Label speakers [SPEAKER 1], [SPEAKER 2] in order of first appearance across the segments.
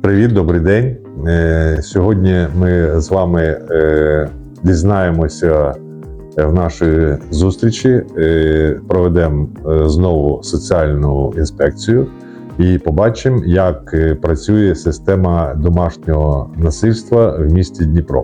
[SPEAKER 1] Привіт, добрий день. Сьогодні ми з вами дізнаємося в нашій зустрічі, проведемо знову соціальну інспекцію і побачимо, як працює система домашнього насильства в місті Дніпро.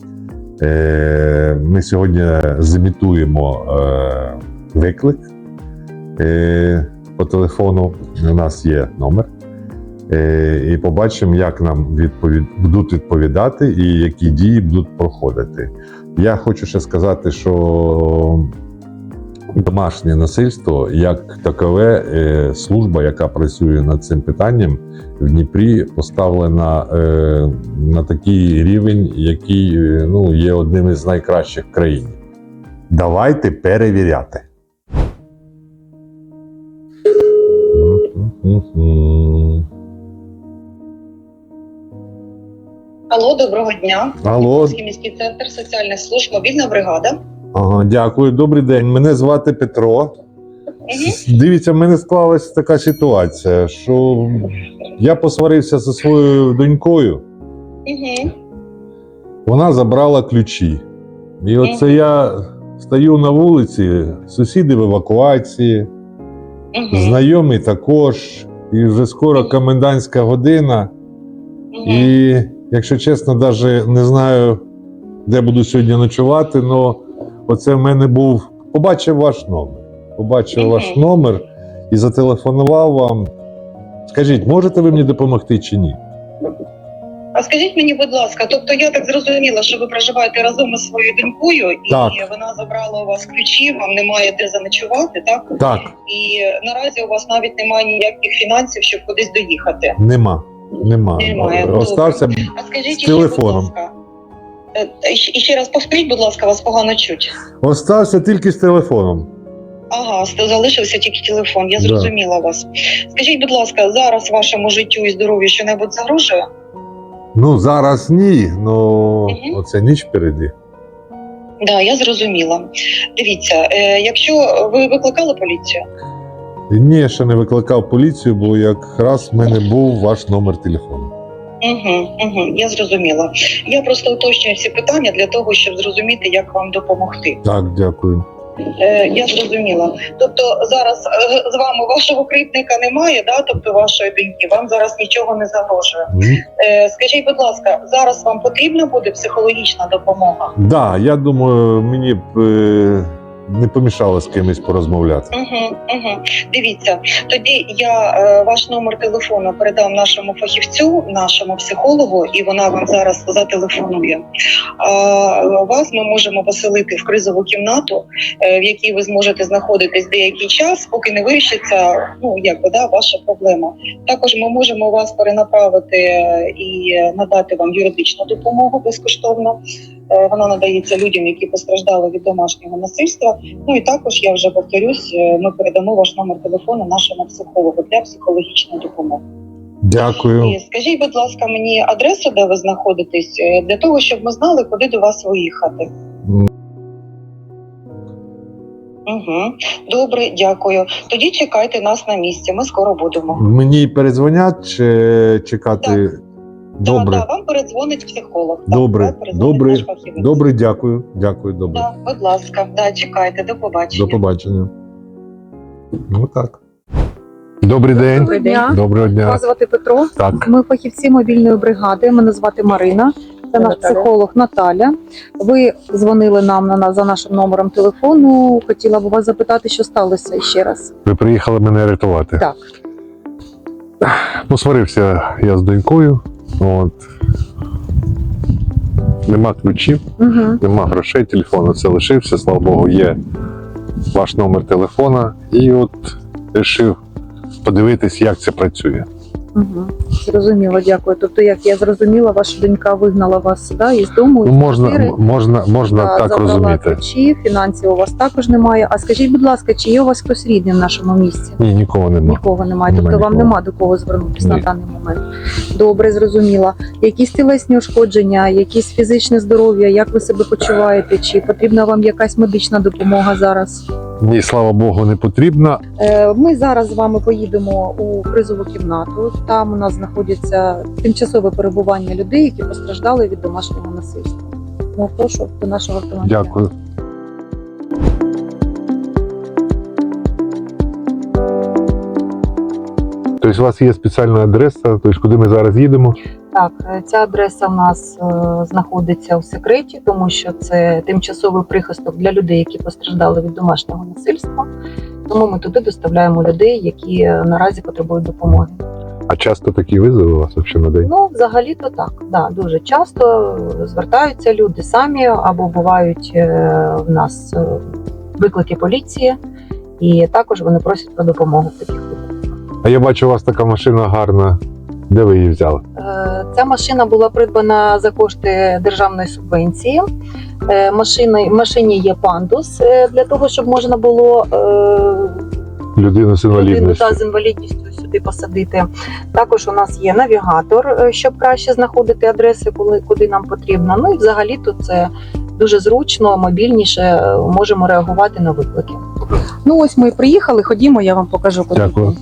[SPEAKER 1] Ми сьогодні зімітуємо виклик по телефону, у нас є номер. І побачимо, як нам будуть відповідати і які дії будуть проходити. Я хочу ще сказати, що домашнє насильство, як такове, служба, яка працює над цим питанням, в Дніпрі поставлена на такий рівень, який є одним із найкращих в країні. Давайте перевіряти.
[SPEAKER 2] Алло, доброго дня.
[SPEAKER 1] Алло.
[SPEAKER 2] Міський центр соціальних служб, мобільна бригада.
[SPEAKER 1] Ага, дякую, добрий день. Мене звати Петро. Дивіться, в мене склалася така ситуація, що я посварився зі своєю донькою. Вона забрала ключі. І оце я стою на вулиці, сусіди в евакуації, знайомі також, і вже скоро комендантська година. І, якщо чесно, навіть не знаю, де буду сьогодні ночувати, але оце в мене був, побачив ваш номер. Побачив ваш номер і зателефонував вам. Скажіть, можете ви мені допомогти чи ні?
[SPEAKER 2] А скажіть мені, будь ласка, тобто я так зрозуміла, що ви проживаєте разом із своєю донькою,
[SPEAKER 1] Так.
[SPEAKER 2] І вона забрала у вас ключі, вам немає де заночувати, так?
[SPEAKER 1] Так.
[SPEAKER 2] І наразі у вас навіть немає ніяких фінансів, щоб кудись доїхати.
[SPEAKER 1] Нема.
[SPEAKER 2] Немає.
[SPEAKER 1] Остався
[SPEAKER 2] А скажіть
[SPEAKER 1] з телефоном.
[SPEAKER 2] Ще, будь ласка, і ще раз повторіть, будь ласка, вас погано чуть.
[SPEAKER 1] Остався тільки з телефоном.
[SPEAKER 2] Ага, залишився тільки телефон, я
[SPEAKER 1] Да.
[SPEAKER 2] зрозуміла вас. Скажіть, будь ласка, зараз вашому життю і здоров'ю що-небудь загрожує?
[SPEAKER 1] Ну, зараз ні, але оце ніч впереді.
[SPEAKER 2] Да, я зрозуміла. Дивіться, якщо ви викликали поліцію?
[SPEAKER 1] Ні, ще не викликав поліцію, бо якраз в мене був ваш номер телефону.
[SPEAKER 2] Я зрозуміла. Я просто уточнюю всі питання для того, щоб зрозуміти, як вам допомогти.
[SPEAKER 1] Так, дякую.
[SPEAKER 2] Я зрозуміла. Тобто зараз з вами вашого кривдника немає, да? Тобто вашої доньки, вам зараз нічого не загрожує. Скажіть, будь ласка, зараз вам потрібна буде психологічна допомога?
[SPEAKER 1] Так, да, я думаю, мені б не помішало з кимось порозмовляти.
[SPEAKER 2] Дивіться, тоді я ваш номер телефону передам нашому фахівцю, нашому психологу, і вона вам зараз зателефонує. Вас ми можемо поселити в кризову кімнату, в якій ви зможете знаходитись деякий час, поки не вирішиться ваша проблема. Також ми можемо вас перенаправити і надати вам юридичну допомогу безкоштовно. Вона надається людям, які постраждали від домашнього насильства. Ну і також, я вже повторюсь, ми передамо ваш номер телефону нашому психологу для психологічної допомоги.
[SPEAKER 1] Дякую.
[SPEAKER 2] І скажіть, будь ласка, мені адресу, де ви знаходитесь, для того, щоб ми знали, куди до вас виїхати. Добре, дякую. Тоді чекайте нас на місці, ми скоро будемо.
[SPEAKER 1] Мені передзвонять чи чекати?
[SPEAKER 2] Так.
[SPEAKER 1] Добре.
[SPEAKER 2] Так, вам передзвонить психолог.
[SPEAKER 1] Добре, добре, дякую. Дякую, добре.
[SPEAKER 2] Так, будь ласка, чекайте, до побачення.
[SPEAKER 1] До побачення. Ну так. Добрий день.
[SPEAKER 3] Доброго дня.
[SPEAKER 1] Доброго дня.
[SPEAKER 3] Вас звати Петро.
[SPEAKER 1] Так.
[SPEAKER 3] Ми фахівці мобільної бригади. Мене звати Марина. Це наш психолог Наталя. Ви дзвонили нам за нашим номером телефону. Хотіла б вас запитати, що сталося ще раз.
[SPEAKER 1] Ви приїхали мене рятувати.
[SPEAKER 3] Так.
[SPEAKER 1] Посварився я з донькою. Нема ключів, нема грошей, телефон оце лишився, слава Богу, є ваш номер телефона. І вирішив подивитись, як це працює.
[SPEAKER 3] Зрозуміло, дякую. Тобто, як я зрозуміла, ваша донька вигнала вас із дому,
[SPEAKER 1] можна так розуміти.
[SPEAKER 3] Ключі, фінансів у вас також немає. А скажіть, будь ласка, чи є у вас хтось рідний в нашому місті?
[SPEAKER 1] Ні, нікого немає.
[SPEAKER 3] Нікого немає. Тобто вам нема до кого звернутися на даний момент. Добре, зрозуміла. Якісь тілесні ушкодження, якісь фізичне здоров'я, як ви себе почуваєте? Чи потрібна вам якась медична допомога зараз?
[SPEAKER 1] Ні, слава Богу, не потрібно.
[SPEAKER 3] Ми зараз з вами поїдемо у кризову кімнату. Там у нас знаходиться тимчасове перебування людей, які постраждали від домашнього насильства. Ну, прошу до нашого автомобіля.
[SPEAKER 1] Дякую. Тобто у вас є спеціальна адреса, тобто куди ми зараз їдемо?
[SPEAKER 3] Так, ця адреса в нас знаходиться у секреті, тому що це тимчасовий прихисток для людей, які постраждали від домашнього насильства. Тому ми туди доставляємо людей, які наразі потребують допомоги.
[SPEAKER 1] А часто такі визови у вас взагалі на день?
[SPEAKER 3] Ну, взагалі-то так. Да, дуже часто звертаються люди самі, або бувають в нас виклики поліції, і також вони просять про допомогу в таких випадках.
[SPEAKER 1] А я бачу, у вас така машина гарна. Де ви її взяли?
[SPEAKER 3] Ця машина була придбана за кошти державної субвенції. Машині є пандус для того, щоб можна було
[SPEAKER 1] Людину з
[SPEAKER 3] людину
[SPEAKER 1] інвалідністю.
[SPEAKER 3] з інвалідністю сюди посадити. Також у нас є навігатор, щоб краще знаходити адреси, куди нам потрібно. Ну і взагалі тут це дуже зручно, мобільніше, можемо реагувати на виклики. Ну ось ми і приїхали, ходімо, я вам покажу, куди.
[SPEAKER 1] Дякую.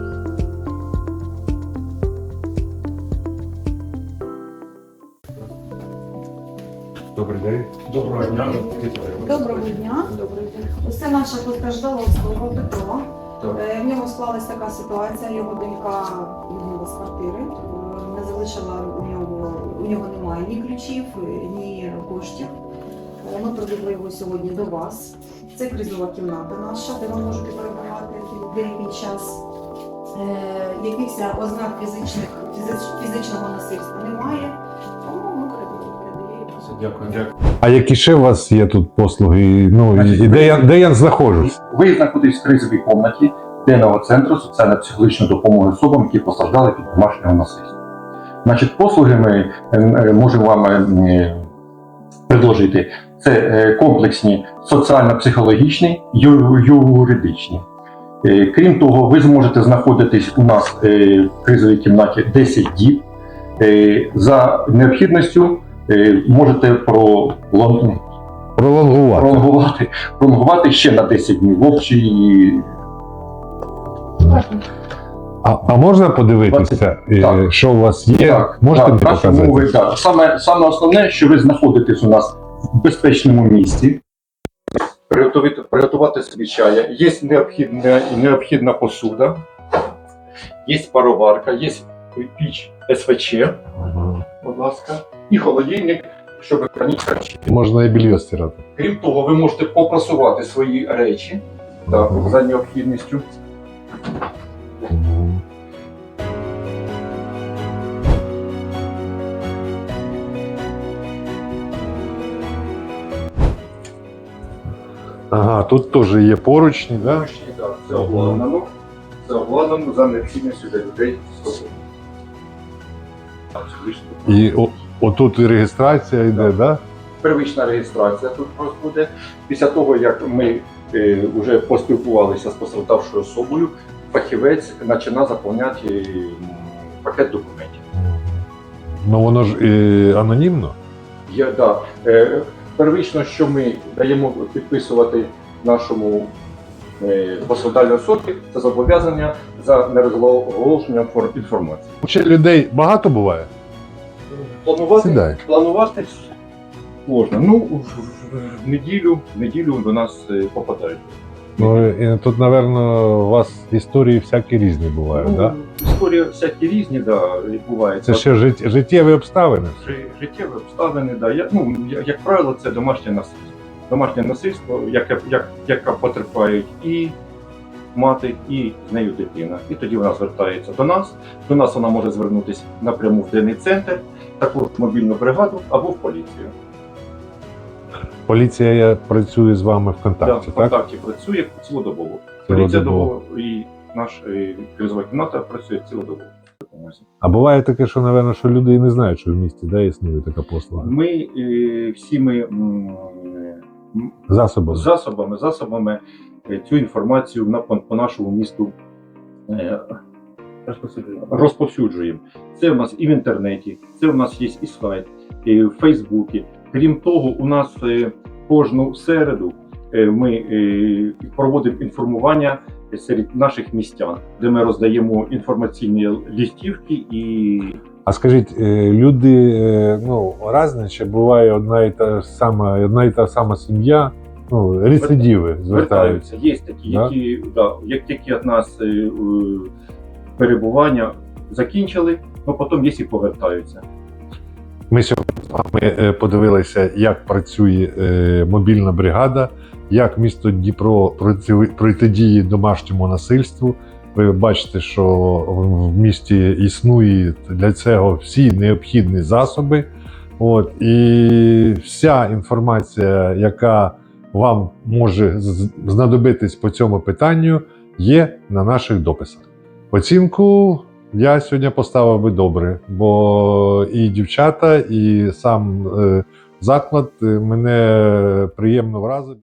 [SPEAKER 1] Добрий день.
[SPEAKER 4] Доброго дня.
[SPEAKER 5] Доброго дня. Це наша постраждала особа Петро.
[SPEAKER 4] Так.
[SPEAKER 5] В нього склалась така ситуація. Його донька вигнала з квартири, не залишила у нього немає ні ключів, ні коштів. Ми привезли його сьогодні до вас. Це кризова кімната наша, де ви можете перебувати деякий час. Якихось ознак фізичного насильства немає. Тому ми передаємо.
[SPEAKER 4] Дякую.
[SPEAKER 1] А які ще у вас є тут послуги? Ну,
[SPEAKER 4] Значить,
[SPEAKER 1] і де я знаходжусь?
[SPEAKER 4] Ви знаходитесь в кризовій кімнаті денного центру соціально-психологічної допомоги особам, які постраждали від домашнього насильства. Значить, послуги ми можемо вам предложити. Це комплексні соціально-психологічні, юридичні. Крім того, ви зможете знаходитись у нас в кризовій кімнаті 10 діб. За необхідністю можете пролонгувати ще на 10 днів в общій.
[SPEAKER 1] А можна подивитися,
[SPEAKER 4] Так.
[SPEAKER 1] що у вас є? Можете мені
[SPEAKER 4] наші
[SPEAKER 1] показати?
[SPEAKER 4] умови, так. Саме основне, що ви знаходитесь у нас в безпечному місці, приготувати собі чая, є необхідна посуда, є пароварка, є піч СВЧ,
[SPEAKER 1] Ага.
[SPEAKER 4] будь ласка, і холодильник, щоб хранити речі.
[SPEAKER 1] Можна і більйо стирати.
[SPEAKER 4] Крім того, ви можете попрасувати свої речі так,
[SPEAKER 1] Ага.
[SPEAKER 4] за необхідністю.
[SPEAKER 1] Мгм. Ага, тут теж є поручні, да?
[SPEAKER 4] Так, це обладнано. Це обладнано за необхідністю для людей з собою.
[SPEAKER 1] І отут і реєстрація йде, да?
[SPEAKER 4] Первична реєстрація тут буде. Після того, як ми вже поспілкувалися з постраждавшою особою, фахівець починає заповняти пакет документів.
[SPEAKER 1] Ну воно ж анонімно.
[SPEAKER 4] Первично, що ми даємо підписувати нашому постраждалій особі, це зобов'язання за нерозголошенням інформації.
[SPEAKER 1] Ще людей багато буває? Сідай.
[SPEAKER 4] Планувати можна. Ну, в неділю до нас попадають.
[SPEAKER 1] Ну, і тут, напевно, у вас історії всякі різні бувають, так? Да?
[SPEAKER 4] Історії всякі різні, відбуваються.
[SPEAKER 1] Це ще життєві обставини.
[SPEAKER 4] Життєві обставини, як правило, це домашнє насильство. Домашнє насильство, яке потерпають і мати, і з нею дитина. І тоді вона звертається до нас. До нас вона може звернутися напряму в денний центр, таку мобільну бригаду або в поліцію.
[SPEAKER 1] Поліція працює з вами в контакті,
[SPEAKER 4] В
[SPEAKER 1] так?
[SPEAKER 4] контакті працює цілодобово.
[SPEAKER 1] Цілодобово.
[SPEAKER 4] Поліція добово і наша кризова кімната працює цілодобово.
[SPEAKER 1] А буває таке, що, напевно, що люди і не знають, що в місті існує така послуга.
[SPEAKER 4] Ми всіми засобами цю інформацію по нашому місту розповсюджуємо. Це у нас і в інтернеті, це у нас є і сайт, і в Фейсбуці. Крім того, у нас кожну середу ми проводимо інформування серед наших містян, де ми роздаємо інформаційні листівки і
[SPEAKER 1] А скажіть, люди різні, чи буває одна і та сама сім'я, рецидиви звертаються?
[SPEAKER 4] Є такі,
[SPEAKER 1] Да?
[SPEAKER 4] як тільки від нас перебування закінчили, потім є і повертаються.
[SPEAKER 1] Ми сьогодні з вами подивилися, як працює мобільна бригада, як місто Дніпро протидіє домашньому насильству. Ви бачите, що в місті існують для цього всі необхідні засоби. І вся інформація, яка вам може знадобитись по цьому питанню, є на наших дописах. Оцінку я сьогодні поставив би добре, бо і дівчата, і сам заклад мене приємно вразив.